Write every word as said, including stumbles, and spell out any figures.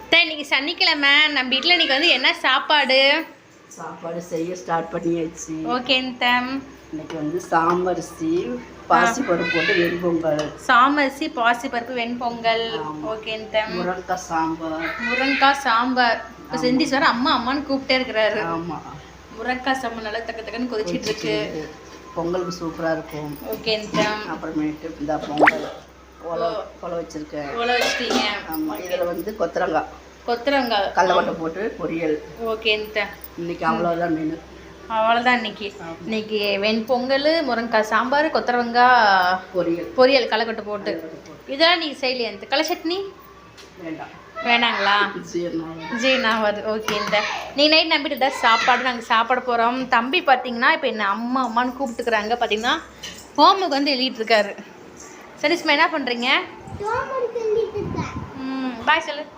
இன்னைக்கு சனிக்கிழமை நம்ம வீட்டில் இன்னைக்கு வந்து என்ன சாப்பாடு சாப்பாடு செய்ய ஸ்டார்ட் பண்ணியாச்சு. ஓகே தம். இன்னைக்கு வந்து சாமரிசி பாசிப்பருப்பு போட்டு வெண்பொங்கல். சாமரிசி பாசிப்பருப்பு வெண்பொங்கல். ஓகே தம். முருங்கைக்காய் சாம்பார். முருங்கைக்காய் சாம்பார். இப்போ செஞ்சு சார் அம்மா அம்மான்னு கூப்பிட்டே இருக்கிறாரு. ஆமாம், முருங்கைக்காய் சாம்பார் நல்லா தக்க தக்கன்னு கொதிச்சிட்டு இருக்கு. பொங்கலுக்கு சூப்பராக இருக்கும். ஓகே தம். அப்புறமேட்டு இந்த பொங்கல் ஒலை ஒலை வச்சுருக்கேன். ஒலை வச்சிட்டீங்க. ஆமாம், இதில் வந்து கொத்தரங்காய் கொத்தரங்காய் கடலக்கொட்டை போட்டு பொரியல். ஓகே தம். இன்னைக்கு அவ்வளோதான் மெனு. அவ்வளோதான் இன்னைக்கு. இன்னைக்கு வெண்பொங்கல், முருங்கைக்காய் சாம்பார், கொத்தரவங்காய் பொரியல் பொரியல் கடலக்கொட்டை போட்டு. இதெல்லாம் நீங்கள் செய்யலையா? இந்த களை சட்னி வேண்டாம் வேணாங்களா? ஜி நான் வருது. ஓகே இந்த நீ நைட் நம்பிட்டு தான் சாப்பாடு நாங்கள் சாப்பிட போகிறோம். தம்பி பார்த்தீங்கன்னா இப்போ என்ன அம்மா அம்மான்னு கூப்பிட்டுக்கிறாங்க. பார்த்தீங்கன்னா ஹோம்ஒர்க் வந்து எழுதிட்டு இருக்காரு. சரிஸ்மா என்ன பண்ணுறீங்க? ம் பாய் சொல்லு.